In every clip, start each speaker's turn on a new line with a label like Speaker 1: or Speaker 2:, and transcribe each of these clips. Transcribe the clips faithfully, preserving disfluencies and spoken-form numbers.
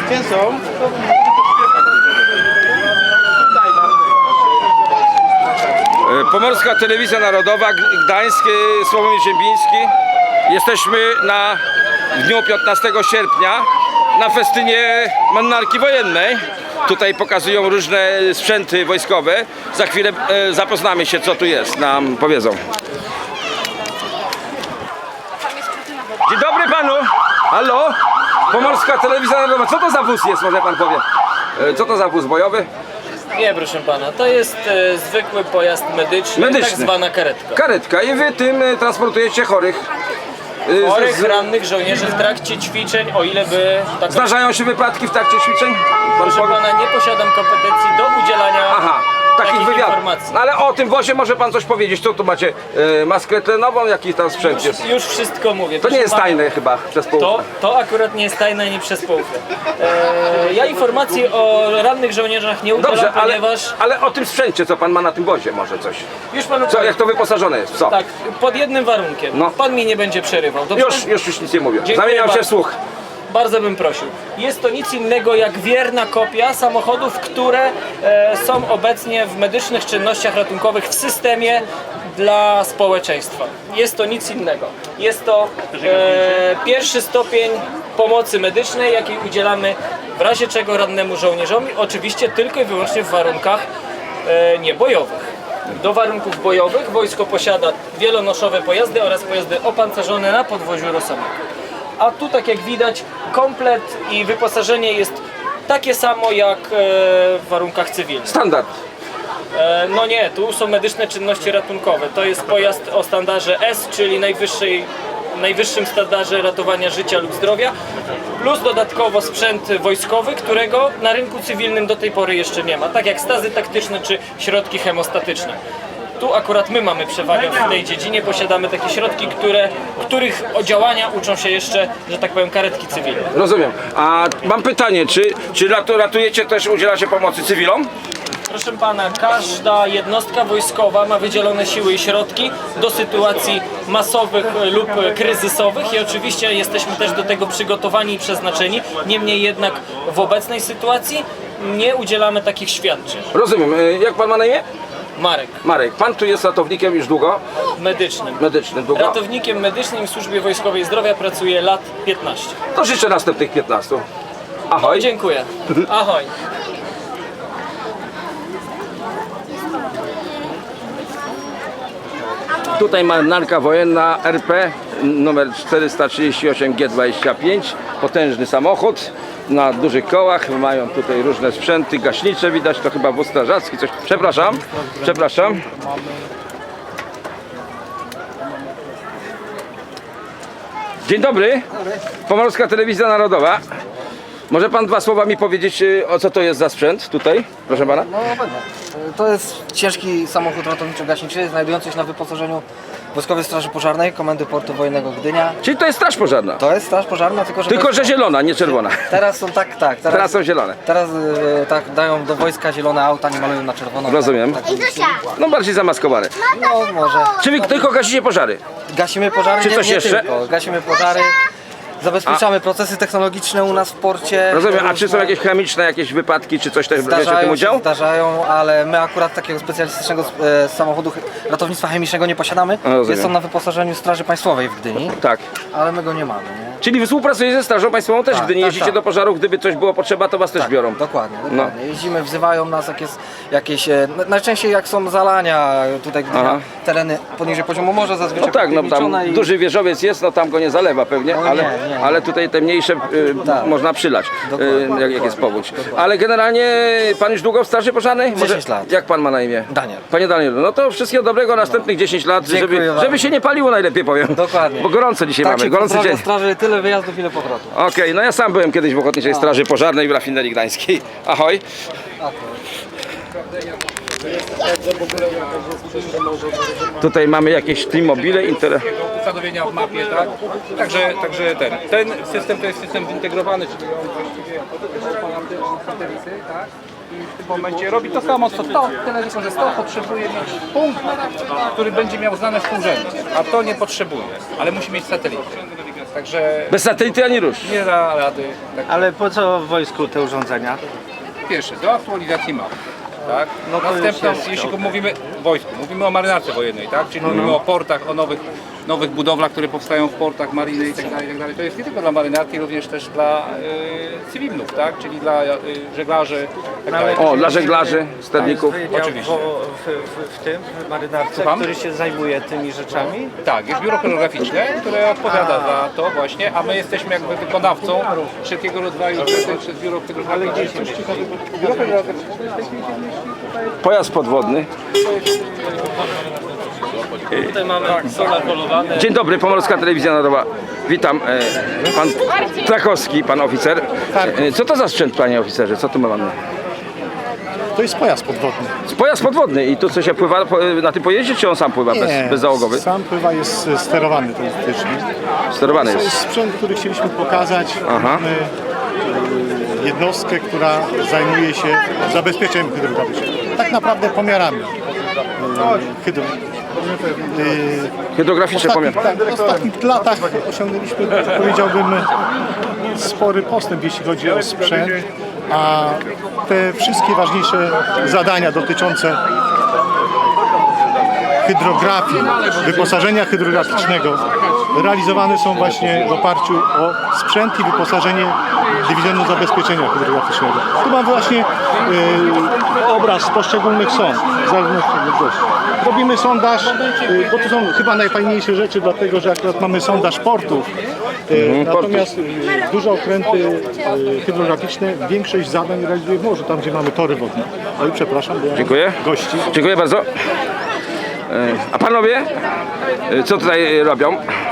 Speaker 1: Gdzie są?
Speaker 2: Pomorska Telewizja Narodowa, Gdańsk, Sławomir Ziembiński. Jesteśmy na w dniu piętnastego sierpnia na festynie Marynarki Wojennej. Tutaj pokazują różne sprzęty wojskowe. Za chwilę e, zapoznamy się, co tu jest, nam powiedzą. Dzień dobry panu! Halo? Pomorska Telewizja Narodowa. Co to za wóz jest, może pan powie? E, co to za wóz bojowy?
Speaker 3: Nie, proszę pana, to jest e, zwykły pojazd medyczny,
Speaker 2: Medyczny.
Speaker 3: tak zwana karetka.
Speaker 2: Karetka. I wy tym e, transportujecie chorych. E,
Speaker 3: Chorych,
Speaker 2: z-
Speaker 3: rannych żołnierzy w trakcie ćwiczeń, o ile by... Tak,
Speaker 2: Zdarzają się wypadki w trakcie ćwiczeń? Pan
Speaker 3: proszę
Speaker 2: powie?
Speaker 3: pana, nie posiadam kompetencji do udzielania
Speaker 2: Aha, takich
Speaker 3: takich
Speaker 2: wywiadów.
Speaker 3: informacji.
Speaker 2: No ale o tym wozie może pan coś powiedzieć. Co tu macie? E, maskę tlenową? Jaki tam sprzęt jest?
Speaker 3: Już wszystko mówię.
Speaker 2: To
Speaker 3: Proszę
Speaker 2: nie jest
Speaker 3: pana,
Speaker 2: tajne chyba przez pół.
Speaker 3: To, to akurat nie jest tajne ani przez połówkę. E, ja informacji o rannych żołnierzach nie udzielam,
Speaker 2: Dobrze, ale,
Speaker 3: ponieważ...
Speaker 2: ale o tym sprzęcie, co pan ma na tym wozie, może coś.
Speaker 3: Już panu
Speaker 2: Co,
Speaker 3: powiem.
Speaker 2: jak to wyposażone jest? Co?
Speaker 3: Tak, pod jednym warunkiem.
Speaker 2: No.
Speaker 3: Pan mi nie będzie przerywał, dobrze?
Speaker 2: Już, już, już nic nie mówię.
Speaker 3: Dziękuję
Speaker 2: Zamieniam się
Speaker 3: bardzo.
Speaker 2: w słuch.
Speaker 3: Bardzo bym prosił. Jest to nic innego jak wierna kopia samochodów, które e, są obecnie w medycznych czynnościach ratunkowych w systemie dla społeczeństwa. Jest to nic innego. Jest to e, pierwszy stopień pomocy medycznej, jakiej udzielamy w razie czego rannemu żołnierzowi, oczywiście tylko i wyłącznie w warunkach e, niebojowych. Do warunków bojowych wojsko posiada wielonoszowe pojazdy oraz pojazdy opancerzone na podwoziu Rosomak. A tu, tak jak widać, komplet i wyposażenie jest takie samo jak e, w warunkach cywilnych.
Speaker 2: Standard.
Speaker 3: E, no nie, tu są medyczne czynności ratunkowe. To jest pojazd o standardzie S, czyli najwyższej, najwyższym standardzie ratowania życia lub zdrowia, plus dodatkowo sprzęt wojskowy, którego na rynku cywilnym do tej pory jeszcze nie ma, tak jak stazy taktyczne czy środki hemostatyczne. Tu akurat my mamy przewagę w tej dziedzinie, posiadamy takie środki, które, których działania uczą się jeszcze, że tak powiem, karetki cywilne.
Speaker 2: Rozumiem. A mam pytanie, czy, czy ratu- ratujecie też, udzielacie pomocy cywilom?
Speaker 3: Proszę pana, każda jednostka wojskowa ma wydzielone siły i środki do sytuacji masowych lub kryzysowych i oczywiście jesteśmy też do tego przygotowani i przeznaczeni. Niemniej jednak w obecnej sytuacji nie udzielamy takich świadczeń.
Speaker 2: Rozumiem. E, Jak pan ma na imię?
Speaker 3: Marek,
Speaker 2: Marek. Pan tu jest ratownikiem już długo?
Speaker 3: medycznym.
Speaker 2: Medycznym długo?
Speaker 3: Ratownikiem medycznym w Służbie Wojskowej Zdrowia pracuję lat piętnaście.
Speaker 2: To życzę następnych piętnastu. Ahoj.
Speaker 3: Dziękuję. Ahoj.
Speaker 2: Tutaj marynarka wojenna R P numer czterysta trzydzieści osiem G dwadzieścia pięć. Potężny samochód na dużych kołach. Mają tutaj różne sprzęty gaśnicze, widać, to chyba wóz strażacki, coś. Przepraszam, przepraszam. Dzień dobry. Pomorska Telewizja Narodowa. Może pan dwa słowa mi powiedzieć, y, o co to jest za sprzęt tutaj, proszę pana?
Speaker 4: No będę. To jest ciężki samochód ratowniczo-gaśniczy znajdujący się na wyposażeniu Wojskowej Straży Pożarnej Komendy Portu Wojennego Gdynia.
Speaker 2: Czyli to jest straż pożarna.
Speaker 4: To jest straż pożarna, tylko że...
Speaker 2: Tylko,
Speaker 4: to jest...
Speaker 2: że zielona, nie czerwona.
Speaker 4: Teraz są tak, tak. Teraz,
Speaker 2: Teraz są zielone.
Speaker 4: Teraz e, tak dają do wojska zielone auta, nie malują na czerwono.
Speaker 2: Rozumiem.
Speaker 4: Tak, tak.
Speaker 2: No bardziej zamaskowane.
Speaker 4: No może.
Speaker 2: Czy wy tylko gasicie pożary?
Speaker 4: Gasimy pożary,
Speaker 2: Czy
Speaker 4: nie,
Speaker 2: coś
Speaker 4: nie
Speaker 2: jeszcze?
Speaker 4: tylko. Gasimy pożary. Zabezpieczamy procesy technologiczne u nas w porcie.
Speaker 2: Rozumiem, a
Speaker 4: Różne.
Speaker 2: czy są jakieś chemiczne, jakieś wypadki, czy coś też bierzecie w tym
Speaker 4: Zdarzają
Speaker 2: udział?
Speaker 4: się, zdarzają, ale my akurat takiego specjalistycznego e, samochodu ratownictwa chemicznego nie posiadamy.
Speaker 2: A, rozumiem.
Speaker 4: Jest on na wyposażeniu Straży Państwowej w Gdyni,
Speaker 2: Tak.
Speaker 4: ale my go nie mamy, nie?
Speaker 2: Czyli współpracujecie ze Strażą Państwową też,
Speaker 4: Tak,
Speaker 2: gdy nie
Speaker 4: tak,
Speaker 2: jeździcie
Speaker 4: tak.
Speaker 2: do pożarów, gdyby coś było potrzeba, to was też biorą.
Speaker 4: Dokładnie,
Speaker 2: No.
Speaker 4: dokładnie. Jeździmy, wzywają nas, jak jest jakieś, e, na- najczęściej jak są zalania, tutaj Gdynia,
Speaker 2: Aha.
Speaker 4: tereny poniżej poziomu morza zazwyczaj
Speaker 2: No tak, no tam
Speaker 4: podpiwniczone i-
Speaker 2: duży wieżowiec jest, no tam go nie zalewa pewnie,
Speaker 4: No
Speaker 2: ale,
Speaker 4: nie, nie.
Speaker 2: ale tutaj te mniejsze y,
Speaker 4: Tak.
Speaker 2: można przylać,
Speaker 4: Dokładnie,
Speaker 2: y, jak, jak jest
Speaker 4: dokładnie,
Speaker 2: powódź. Ale generalnie pan już długo w Straży Pożarnej?
Speaker 4: dziesięć lat.
Speaker 2: Jak pan ma na imię?
Speaker 4: Daniel.
Speaker 2: Panie Danielu, no to wszystkiego dobrego następnych dziesięć lat,
Speaker 4: Dziękuję
Speaker 2: żeby,
Speaker 4: bardzo.
Speaker 2: żeby się nie paliło najlepiej powiem.
Speaker 4: Dokładnie.
Speaker 2: Bo gorąco dzisiaj
Speaker 4: Tak
Speaker 2: mamy,
Speaker 4: się
Speaker 2: gorący
Speaker 4: pozdrawia
Speaker 2: dzień.
Speaker 4: straży, tyle wyjazdów, ile powrotu.
Speaker 2: Okej, no ja sam byłem kiedyś w Ochotniczej Straży Pożarnej w rafinerii gdańskiej. Ahoj. Tutaj mamy jakieś T-mobile, inter...
Speaker 5: Ustanowienia w mapie, tak? Także, także ten, ten system to jest system zintegrowany, czyli on właściwie operuje satelity, tak? I w tym momencie robi to samo co to, tyle tylko, że to potrzebuje mieć punkt, który będzie miał znane współrzędne, a to nie potrzebuje, ale musi mieć satelity. Także
Speaker 2: Bez satelity ani rusz.
Speaker 5: nie da rady. Tak.
Speaker 1: Ale po co w wojsku te urządzenia?
Speaker 5: Pierwszy, do aktualizacji map. Tak?
Speaker 1: No to już
Speaker 5: Następną,
Speaker 1: jest,
Speaker 5: jeśli
Speaker 1: okej.
Speaker 5: mówimy o wojsku, mówimy o marynarce wojennej, tak? Czyli mówimy o portach, o nowych, nowych budowlach, które powstają w portach, mariny i tak dalej, i tak dalej. To jest nie tylko dla marynarki, również też dla y, cywilów, tak? Czyli dla y, żeglarzy i tak dalej.
Speaker 2: O, dla żeglarzy, sterników.
Speaker 1: Wydział
Speaker 5: Oczywiście.
Speaker 1: wo- W, w, w tym, w marynarce,
Speaker 5: Słucham?
Speaker 1: który się zajmuje tymi rzeczami?
Speaker 5: Tak, jest biuro choreograficzne, które odpowiada za to właśnie, a my jesteśmy jakby wykonawcą wszelkiego rodzaju zleceń przez biuro choreograficzne. Biuro choreograficzne w tej chwili się mieści tutaj.
Speaker 2: Pojazd podwodny.
Speaker 3: Tutaj mamy solar polowany.
Speaker 2: Dzień dobry, Pomorska Telewizja Narodowa. Witam, e, pan Trakowski, pan oficer. E, Co to za sprzęt, panie oficerze? Co tu mamy?
Speaker 6: To jest pojazd podwodny.
Speaker 2: Pojazd podwodny i tu co się pływa po- na tym pojeździe, czy on sam pływa, bez, bezzałogowy?
Speaker 6: Sam pływa jest e, sterowany teoretycznie.
Speaker 2: Sterowany
Speaker 6: To jest
Speaker 2: jest.
Speaker 6: sprzęt, który chcieliśmy pokazać.
Speaker 2: Aha.
Speaker 6: Mamy e, jednostkę, która zajmuje się zabezpieczeniem hydrograficznym. Tak naprawdę pomiarami e, hydro. E,
Speaker 2: Hydrograficzny
Speaker 6: W
Speaker 2: pomiar.
Speaker 6: ostatnich, tak, w ostatnich latach osiągnęliśmy, powiedziałbym, spory postęp, jeśli chodzi o sprzęt, a te wszystkie ważniejsze zadania dotyczące hydrografii, wyposażenia hydrograficznego realizowane są właśnie w oparciu o sprzęt i wyposażenie Dywizjonu Zabezpieczenia Hydrograficznego. Tu mam właśnie e, obraz poszczególnych sąd, w zależności od gości. Robimy sondaż, e, bo to są chyba najfajniejsze rzeczy, dlatego że akurat mamy sondaż portów. E, natomiast e, duże okręty e, hydrograficzne większość zadań realizuje w morzu, tam gdzie mamy tory wodne. Oj, przepraszam, bo ja
Speaker 2: Dziękuję.
Speaker 6: gości.
Speaker 2: Dziękuję bardzo. E, A panowie, e, co tutaj robią?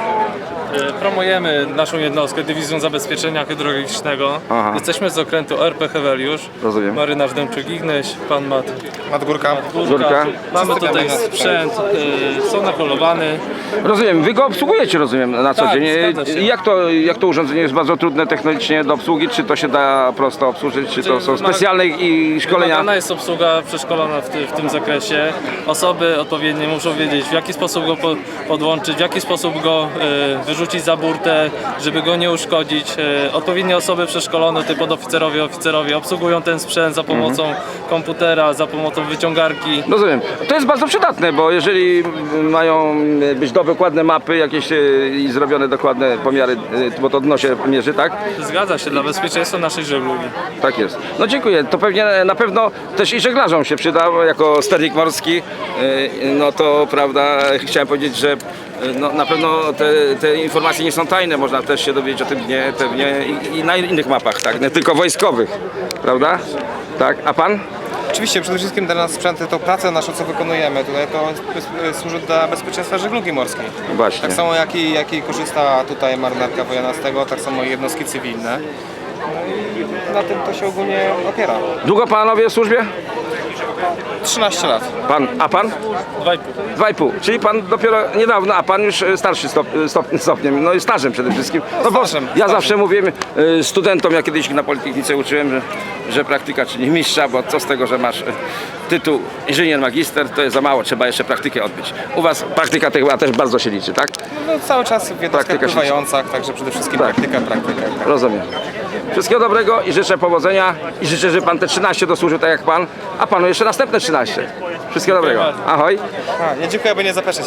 Speaker 7: Promujemy naszą jednostkę, Dywizją Zabezpieczenia Hydrograficznego.
Speaker 2: Aha.
Speaker 7: Jesteśmy z okrętu R P Heweliusz.
Speaker 2: Rozumiem.
Speaker 7: Marynarz Dębczyk-Ignyś, pan Mat
Speaker 8: Madgórka.
Speaker 2: Górka.
Speaker 7: Mamy tutaj sprzęt, y, sonar polowany.
Speaker 2: Rozumiem, wy go obsługujecie, rozumiem, na co
Speaker 7: Tak,
Speaker 2: dzień. E,
Speaker 7: zgadza się.
Speaker 2: Jak to, jak to urządzenie jest bardzo trudne technicznie do obsługi? Czy to się da prosto obsłużyć, czy to są
Speaker 7: Czy ma-
Speaker 2: specjalne i szkolenia?
Speaker 7: Wymagana jest obsługa przeszkolona w, ty, w tym zakresie. Osoby odpowiednie muszą wiedzieć, w jaki sposób go po, podłączyć, w jaki sposób go y, wyrzucić za burtę, żeby go nie uszkodzić. Y, odpowiednie osoby przeszkolone, typu podoficerowie, oficerowie obsługują ten sprzęt za pomocą komputera, za pomocą wyciągarki.
Speaker 2: Rozumiem. To jest bardzo przydatne, bo jeżeli mają być dokładne mapy jakieś e, i zrobione dokładne pomiary, e, bo to dno się mierzy, tak?
Speaker 7: Zgadza się, dla bezpieczeństwa naszej żeglugi.
Speaker 2: Tak jest. No dziękuję. To pewnie na pewno też i żeglarzom się przyda, bo jako sternik morski, e, no to prawda, chciałem powiedzieć, że e, no, na pewno te, te informacje nie są tajne, można też się dowiedzieć o tym dnie pewnie i, i na innych mapach, tak, nie tylko wojskowych, prawda? Tak, a pan?
Speaker 8: Oczywiście przede wszystkim dla nas sprzęty to praca nasza, co wykonujemy. Tutaj to bez- służy dla bezpieczeństwa żeglugi morskiej.
Speaker 2: Właśnie.
Speaker 8: Tak samo jak i, jak i korzysta tutaj marynarka wojenna z tego, tak samo i jednostki cywilne. No i na tym to się ogólnie opiera.
Speaker 2: Długo panowie w służbie?
Speaker 8: trzynaście lat.
Speaker 2: Pan, a pan?
Speaker 7: Dwa i pół.
Speaker 2: Dwa i pół. Czyli pan dopiero niedawno, a pan już e, starszy stop, stop, stopniem, no i stażem przede wszystkim. No bo
Speaker 8: Stażem,
Speaker 2: ja
Speaker 8: stażem.
Speaker 2: zawsze mówię e, studentom, ja kiedyś na Politechnice uczyłem, że, że praktyka czyni mistrza, bo co z tego, że masz e, tytuł inżynier magister, to jest za mało, trzeba jeszcze praktykę odbyć. U was praktyka chyba też bardzo się liczy, tak?
Speaker 8: No, cały czas w jednostkach
Speaker 2: Praktyka się-
Speaker 8: pływających, także przede wszystkim
Speaker 2: Tak.
Speaker 8: praktyka, praktyka.
Speaker 2: Rozumiem. Wszystkiego dobrego i życzę powodzenia i życzę, żeby pan te trzynaście dosłużył tak jak pan, a panu jeszcze następne trzynaście. Wszystkiego dobrego. Ahoj.
Speaker 8: A, nie dziękuję, aby nie zapeszać.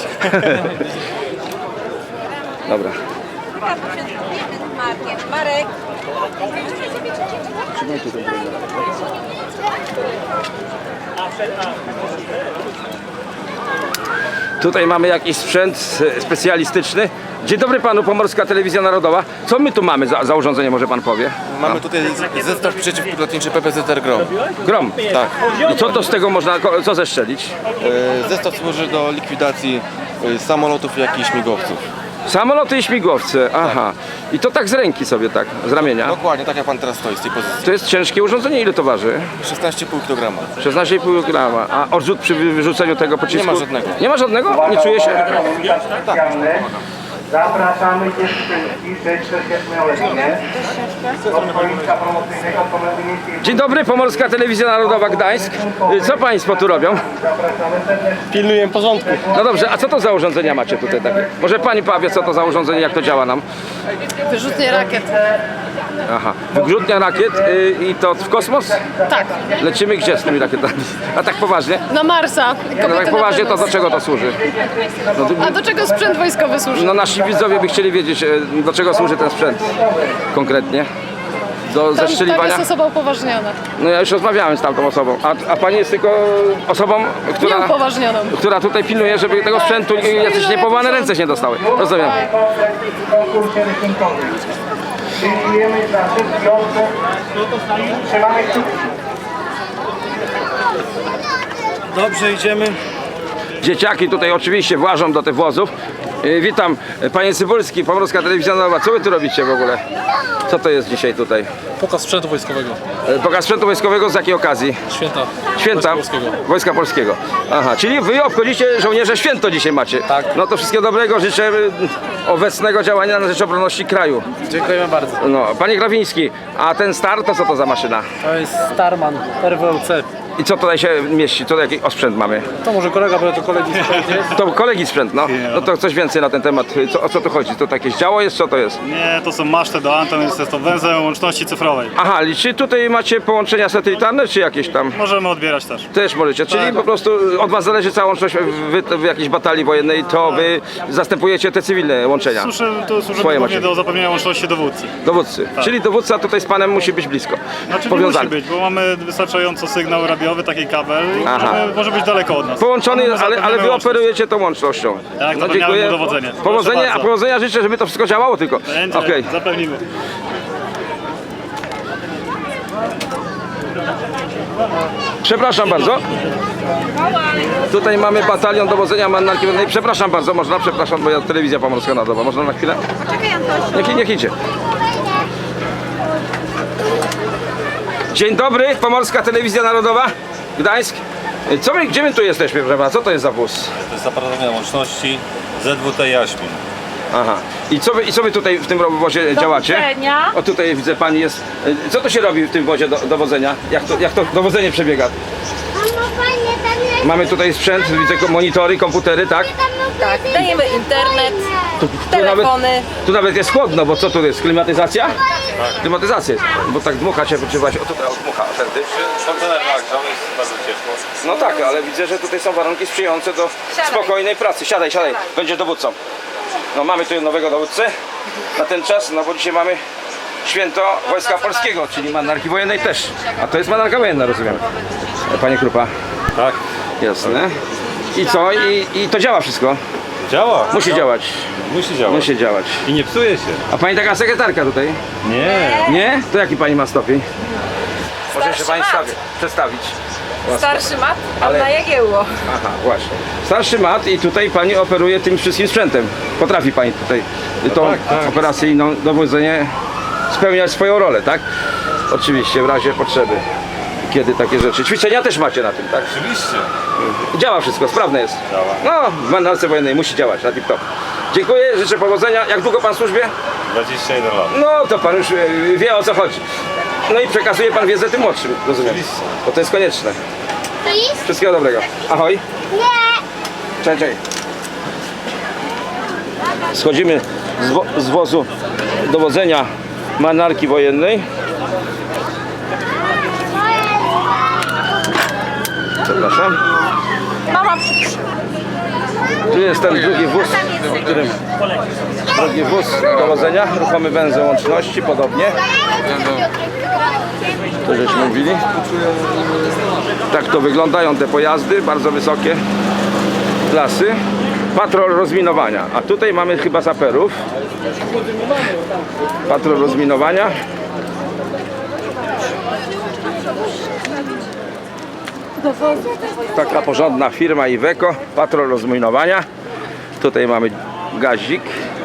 Speaker 2: Dobra.
Speaker 9: Markiem. Marek.
Speaker 2: Tutaj mamy jakiś sprzęt e, specjalistyczny. Dzień dobry panu, Pomorska Telewizja Narodowa. Co my tu mamy za, za urządzenie, może pan powie?
Speaker 10: Mamy tutaj zestaw przeciwpilotniczy P P Z R Grom.
Speaker 2: Grom.
Speaker 10: Tak.
Speaker 2: I co to z tego można, ko- co zestrzelić?
Speaker 10: E, Zestaw służy do likwidacji e, samolotów, jak i śmigłowców.
Speaker 2: Samoloty i śmigłowce, aha. I to tak z ręki sobie, tak, z ramienia.
Speaker 10: Dokładnie, tak jak pan teraz stoi z tej pozycji.
Speaker 2: To jest ciężkie urządzenie, ile to waży?
Speaker 10: szesnaście i pół kilograma.
Speaker 2: szesnaście i pół grama. A odrzut przy wy- wyrzuceniu tego pocisku?
Speaker 10: Nie ma żadnego.
Speaker 2: Nie ma żadnego? Nie czuje się?
Speaker 9: Zapraszamy dziewczynki sześćdziesięcioletnie do stoliczka promocyjnego Komendy Miejskiej.
Speaker 2: Dzień dobry, Pomorska Telewizja Narodowa Gdańsk. Y, Co państwo tu robią?
Speaker 10: Pilnuję porządku.
Speaker 2: No dobrze, a co to za urządzenia macie tutaj takie? Może pani powie, co to za urządzenie, jak to działa nam?
Speaker 11: Wyrzutnie rakiet.
Speaker 2: Aha, wyrzutnia rakiet y, i to w kosmos?
Speaker 11: Tak.
Speaker 2: Lecimy gdzie z tymi rakietami? A tak poważnie?
Speaker 11: Na Marsa.
Speaker 2: No tak poważnie, to do czego to służy? No, to-
Speaker 11: A do czego sprzęt wojskowy służy?
Speaker 2: No nasi widzowie by chcieli wiedzieć, e, do czego służy ten sprzęt konkretnie. Do
Speaker 11: Tam, tam
Speaker 2: zestrzeliwania?
Speaker 11: jest osoba upoważniona.
Speaker 2: No ja już rozmawiałem z tamtą osobą. A, a pani jest tylko osobą, która,
Speaker 11: Nieupoważnioną.
Speaker 2: która tutaj pilnuje, żeby tego sprzętu jacyś niepowołane ręce się nie dostały. Rozumiem.
Speaker 9: W konkursie rysunkowym. Dziękujemy za wszystkich osób. Trzymamy kciuki.
Speaker 1: Dobrze, idziemy.
Speaker 2: Dzieciaki tutaj oczywiście włażą do tych wozów. E, Witam, e, panie Cybulski, Pomorska Telewizja Narodowa. Co wy tu robicie w ogóle? Co to jest dzisiaj tutaj?
Speaker 7: Pokaz sprzętu wojskowego.
Speaker 2: E, Pokaz sprzętu wojskowego z jakiej okazji?
Speaker 7: Święta.
Speaker 2: Święta
Speaker 7: Wojska Polskiego.
Speaker 2: Wojska Polskiego. Aha, czyli wy obchodzicie żołnierze święto dzisiaj macie.
Speaker 7: Tak.
Speaker 2: No to wszystkiego dobrego, życzę y, obecnego działania na rzecz obronności kraju.
Speaker 7: Dziękujemy bardzo.
Speaker 2: No, panie Grawiński, a ten star to co to za maszyna?
Speaker 7: To jest Starman R W L C.
Speaker 2: I co tutaj się mieści? Co jaki osprzęt mamy?
Speaker 7: To może kolega, bo to kolegi sprzęt jest.
Speaker 2: To kolegi sprzęt, no. No to coś więcej na ten temat. Co, o co tu chodzi? To jakieś działo jest? Co to jest?
Speaker 12: Nie, to są maszty do anten, jest to węzeł łączności cyfrowej.
Speaker 2: Aha, czy tutaj macie połączenia satelitarne, czy jakieś tam?
Speaker 12: Możemy odbierać też.
Speaker 2: Też możecie, czyli po prostu od was zależy cała łączność w, w jakiejś batalii wojennej, to wy zastępujecie te cywilne łączenia.
Speaker 12: Służy, to służy
Speaker 2: Swoje
Speaker 12: głównie
Speaker 2: macie.
Speaker 12: do zapewnienia łączności dowódcy.
Speaker 2: Dowódcy.
Speaker 12: Tak.
Speaker 2: Czyli dowódca tutaj z panem musi być blisko.
Speaker 12: Znaczy nie
Speaker 2: Powiązany.
Speaker 12: musi być, bo mamy wystarczająco sygnał radiowy, taki kabel i
Speaker 2: Aha.
Speaker 12: możemy, może być daleko od nas.
Speaker 2: Połączony,
Speaker 12: My
Speaker 2: ale, ale
Speaker 12: zapewniamy
Speaker 2: wy
Speaker 12: łączność.
Speaker 2: operujecie tą łącznością.
Speaker 12: Tak, zapewniamy mu dowodzenie. Proszę
Speaker 2: Powodzenie, a
Speaker 12: bardzo.
Speaker 2: powodzenia życzę, żeby to wszystko działało tylko.
Speaker 12: Będzie,
Speaker 2: Okej.
Speaker 12: zapewnimy.
Speaker 2: Przepraszam bardzo. Tutaj mamy batalion dowodzenia Marynarki Wojennej. Przepraszam bardzo, można? Przepraszam, bo ja telewizja Pomorska Narodowa. Można na chwilę? Niech, niech idzie. Dzień dobry, Pomorska Telewizja Narodowa, Gdańsk. Co my, gdzie my tu jesteśmy, proszę pana? Co to jest za wóz?
Speaker 13: To jest aparatowania łączności Z W T Jaśmin.
Speaker 2: Aha. I co wy, i co wy tutaj w tym wozie działacie?
Speaker 11: Dowodzenia.
Speaker 2: O tutaj widzę, pani jest. Co to się robi w tym wozie do, dowodzenia? Jak to, jak to dowodzenie przebiega? Mamy tutaj sprzęt, widzę monitory, komputery, tak?
Speaker 11: Tak, dajemy internet,
Speaker 2: Tu, tu,
Speaker 11: telefony.
Speaker 2: nawet, tu nawet jest chłodno, bo co tu jest? Klimatyzacja? Klimatyzacja jest, bo tak dmucha się, czy właśnie, o tutaj o, dmucha, oferty.
Speaker 13: Kontener nagrzał, jest bardzo ciepło.
Speaker 2: No tak, ale widzę, że tutaj są warunki sprzyjające do spokojnej pracy. Siadaj, siadaj, będziesz dowódcą. No mamy tu nowego dowódcę na ten czas, no bo dzisiaj mamy święto Wojska Polskiego, czyli Marynarki Wojennej też. A to jest Marynarka Wojenna, rozumiem. Panie Krupa.
Speaker 13: Tak.
Speaker 2: Jasne. I co? I, i to działa wszystko?
Speaker 13: Działa.
Speaker 2: Musi działać.
Speaker 13: Musi działać.
Speaker 2: Musi działać.
Speaker 13: I nie psuje się.
Speaker 2: A pani taka sekretarka tutaj?
Speaker 13: Nie.
Speaker 2: Nie? To jaki pani ma stopień? Może się pani stawi, przedstawić.
Speaker 11: Starszy mat,
Speaker 2: Ale-
Speaker 11: na Jagiełło.
Speaker 2: Aha, właśnie. Starszy mat i tutaj pani operuje tym wszystkim sprzętem. Potrafi pani tutaj tą
Speaker 13: tak, tak.
Speaker 2: operacyjną dowodzenie spełniać swoją rolę, tak? Oczywiście, w razie potrzeby. Kiedy takie rzeczy. Ćwiczenia też macie na tym, tak?
Speaker 13: Oczywiście.
Speaker 2: Działa wszystko, sprawne jest.
Speaker 13: Działa.
Speaker 2: No, w Marynarce Wojennej musi działać na tip-top. Dziękuję, życzę powodzenia. Jak długo pan w służbie?
Speaker 13: dwadzieścia jeden lat.
Speaker 2: No, to pan już e, wie, o co chodzi. No i przekazuje pan wiedzę tym młodszym, rozumiem.
Speaker 13: Oczywiście.
Speaker 2: Bo to jest konieczne. Wszystkiego dobrego. Ahoj. Cześć, cześć. Schodzimy z, wo z wozu dowodzenia Marynarki Wojennej. Przepraszam. Tu jest ten drugi wóz, w którym drugi wóz dowodzenia, ruchomy węzeł łączności, podobnie. To żeśmy mówili. Tak to wyglądają te pojazdy, bardzo wysokie klasy. Patrol rozminowania, a tutaj mamy chyba saperów. Patrol rozminowania. Taka porządna firma Iveco, patrol rozminowania. Tutaj mamy gazik.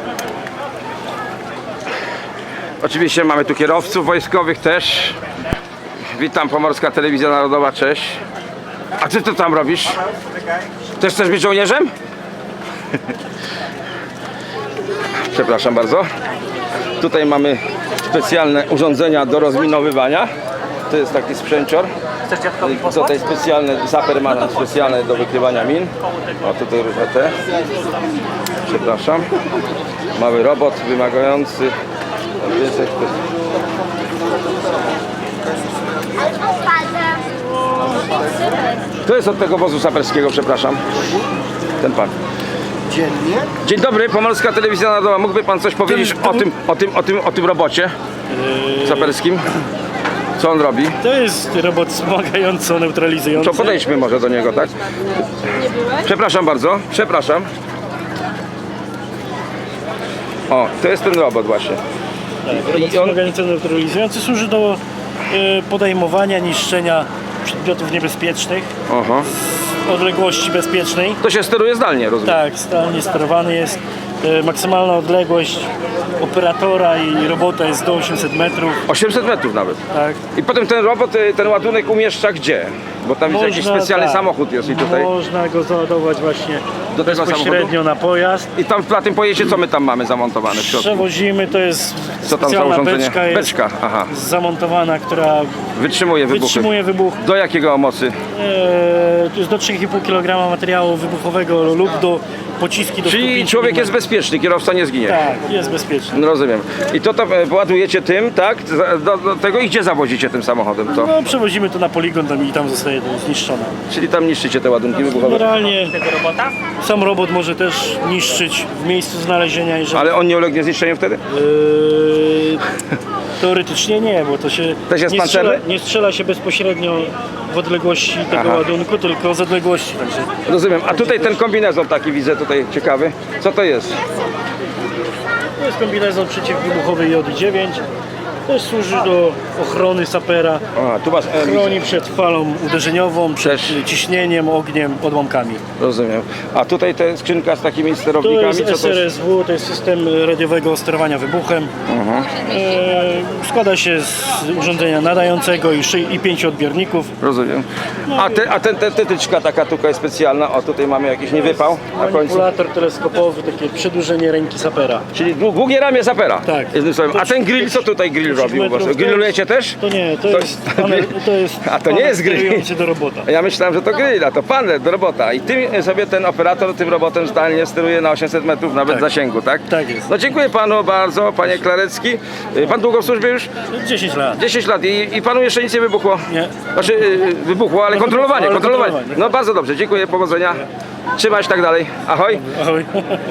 Speaker 2: Oczywiście mamy tu kierowców wojskowych też. Witam, Pomorska Telewizja Narodowa, cześć. A ty co tam robisz? Też chcesz być żołnierzem? Przepraszam bardzo. Tutaj mamy specjalne urządzenia do rozminowywania. To jest taki sprzęcior. Tutaj specjalne, zaper ma specjalne do wykrywania min. O, tutaj różne te. Przepraszam. Mały robot wymagający. To jest od tego wozu saperskiego, przepraszam. Ten pan.
Speaker 1: Dziennie?
Speaker 2: Dzień dobry, Pomorska Telewizja Narodowa. Mógłby pan coś powiedzieć o tym, o tym, o tym, o tym robocie saperskim? Co on robi?
Speaker 14: To jest robot wspomagająco-neutralizujący.
Speaker 2: To podejdźmy może do niego, tak? Przepraszam bardzo, przepraszam. O, to jest ten robot właśnie.
Speaker 14: Tak, robot wspomagająco-neutralizujący służy do e, podejmowania, niszczenia przedmiotów niebezpiecznych
Speaker 2: Aha.
Speaker 14: z odległości bezpiecznej.
Speaker 2: To się steruje zdalnie, rozumiem?
Speaker 14: Tak, zdalnie sterowany jest. E, maksymalna odległość operatora i robota jest do osiemset metrów.
Speaker 2: osiemset metrów nawet.
Speaker 14: Tak.
Speaker 2: I potem ten robot, y, ten ładunek umieszcza gdzie? Bo tam
Speaker 14: Można,
Speaker 2: jakiś specjalny
Speaker 14: tak,
Speaker 2: samochód jest i tutaj.
Speaker 14: Można go załadować właśnie
Speaker 2: Do tego
Speaker 14: bezpośrednio
Speaker 2: samochodu?
Speaker 14: na pojazd.
Speaker 2: I tam na tym pojeździe co my tam mamy zamontowane w środku?
Speaker 14: Przewozimy, to jest
Speaker 2: Co tam za
Speaker 14: specjalna
Speaker 2: urządzenie?
Speaker 14: beczka, jest
Speaker 2: Beczka, aha.
Speaker 14: zamontowana, która
Speaker 2: Wytrzymuje wybuchy.
Speaker 14: wytrzymuje wybuch.
Speaker 2: Do jakiego mocy?
Speaker 14: Eee, to jest do trzy i pół kilograma materiału wybuchowego lub do pociski do stu
Speaker 2: Czyli
Speaker 14: pięciu
Speaker 2: człowiek jest
Speaker 14: milimetrów.
Speaker 2: bezpieczny, kierowca nie zginie.
Speaker 14: Tak, jest bezpieczny.
Speaker 2: No, rozumiem. I to tam e, ładujecie tym, tak? Za- Do, do tego i gdzie zawozicie tym samochodem to?
Speaker 14: No, przewozimy to na poligon tam i tam zostaje to zniszczone.
Speaker 2: Czyli tam niszczycie te ładunki wybuchowe.
Speaker 14: Generalnie sam robot może też niszczyć w miejscu znalezienia, jeżeli...
Speaker 2: Ale on nie ulegnie zniszczeniu wtedy?
Speaker 14: Eee, teoretycznie nie, bo to się,
Speaker 2: Też jest
Speaker 14: nie, strzela,
Speaker 2: pancerny?
Speaker 14: nie strzela się bezpośrednio w odległości tego
Speaker 2: Aha.
Speaker 14: ładunku, tylko z odległości. Także
Speaker 2: Rozumiem. A tutaj ten kombinezon taki widzę tutaj ciekawy. Co to jest?
Speaker 14: to jest kombinezon przeciwwybuchowy J dziewięć. Też służy do ochrony sapera.
Speaker 2: A, tu masz... E,
Speaker 14: Chroni przed falą uderzeniową, przed
Speaker 2: Też.
Speaker 14: ciśnieniem, ogniem, odłamkami.
Speaker 2: rozumiem. A tutaj ta skrzynka z takimi
Speaker 14: To
Speaker 2: sterownikami,
Speaker 14: jest
Speaker 2: co to
Speaker 14: S R
Speaker 2: jest?
Speaker 14: S W, to jest system radiowego sterowania wybuchem.
Speaker 2: Mhm.
Speaker 14: E, składa się z urządzenia nadającego i, szy- i pięciu odbiorników.
Speaker 2: Rozumiem. A, te, a ten, te, tetyczka taka tutaj specjalna, o tutaj mamy jakiś niewypał na końcu.
Speaker 14: Manipulator teleskopowy, takie przedłużenie ręki sapera.
Speaker 2: Czyli dłu- długie ramię zapera.
Speaker 14: Tak.
Speaker 2: Jednym słowem. A ten grill, co tutaj grill robił? u was?
Speaker 14: metrów, to
Speaker 2: Grillujecie też?
Speaker 14: To nie, to,
Speaker 2: To
Speaker 14: jest,
Speaker 2: jest-
Speaker 14: panel, to jest
Speaker 2: A to nie
Speaker 14: panel
Speaker 2: jest grill.
Speaker 14: sterujący do robota.
Speaker 2: Ja myślałem, że to grill, a to panel do robota. I tym sobie ten operator tym robotem zdalnie steruje na osiemset metrów nawet
Speaker 14: Tak.
Speaker 2: zasięgu, tak?
Speaker 14: Tak jest.
Speaker 2: No dziękuję panu bardzo, panie Klarecki. Y, Pan długo w służbie już?
Speaker 14: dziesięć lat.
Speaker 2: dziesięć lat i, i panu jeszcze nic nie wybuchło?
Speaker 14: Nie.
Speaker 2: Znaczy y, wybuchło, ale
Speaker 14: No,
Speaker 2: kontrolowanie,
Speaker 14: wybuchło, ale
Speaker 2: kontrolowanie.
Speaker 14: kontrolowanie.
Speaker 2: No bardzo dobrze, dziękuję, powodzenia. Trzymać tak dalej. Ahoj.
Speaker 14: Ahoj.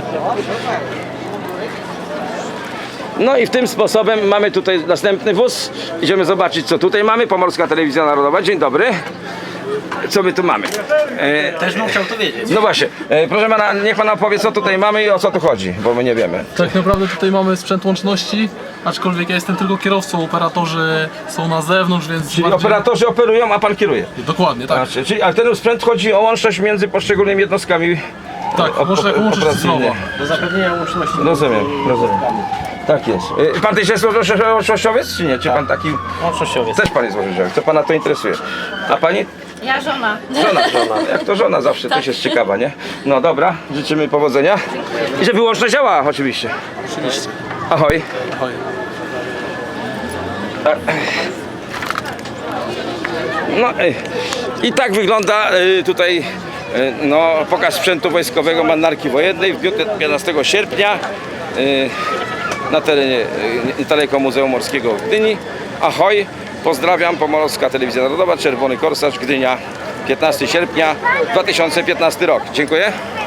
Speaker 2: No i w tym sposobem mamy tutaj następny wóz. Idziemy zobaczyć, co tutaj mamy. Pomorska Telewizja Narodowa. Dzień dobry. Co my tu mamy? E,
Speaker 1: Też bym chciał to wiedzieć.
Speaker 2: no właśnie, e, proszę pana, niech pan opowie, co tutaj mamy i o co tu chodzi, bo my nie wiemy.
Speaker 15: Tak naprawdę tutaj mamy sprzęt łączności, aczkolwiek ja jestem tylko kierowcą, operatorzy są na zewnątrz, więc
Speaker 2: Czyli
Speaker 15: bardziej...
Speaker 2: operatorzy operują, a pan kieruje.
Speaker 15: Dokładnie, tak.
Speaker 2: Znaczy, czyli, ale ten sprzęt chodzi o łączność między poszczególnymi jednostkami.
Speaker 15: Tak,
Speaker 2: o-
Speaker 15: łączność-
Speaker 2: o-
Speaker 15: łączność
Speaker 2: operacyjnie.
Speaker 15: cyfrowa.
Speaker 14: Do zapewnienia łączności.
Speaker 2: Rozumiem, rozumiem. Tak jest. E, Pan też jest łącznościowiec, czy nie? Czy pan taki...
Speaker 14: Łącznościowiec.
Speaker 2: Też pan jest łącznościowiec, co pana to interesuje. A pani?
Speaker 11: Ja żona.
Speaker 2: Żona, żona. Jak to żona zawsze też jest ciekawa, nie? No dobra, życzymy powodzenia. I żeby łączność działała oczywiście.
Speaker 15: Oczywiście.
Speaker 2: Ahoj.
Speaker 15: Ahoj.
Speaker 2: No y, i tak wygląda y, tutaj y, no, pokaz sprzętu wojskowego Marynarki Wojennej w dniu piętnastego sierpnia y, na terenie y, niedaleko Muzeum Morskiego w Gdyni. Ahoj, pozdrawiam, Pomorska Telewizja Narodowa, Czerwony Korsarz, Gdynia, piętnastego sierpnia dwa tysiące piętnasty rok. Dziękuję.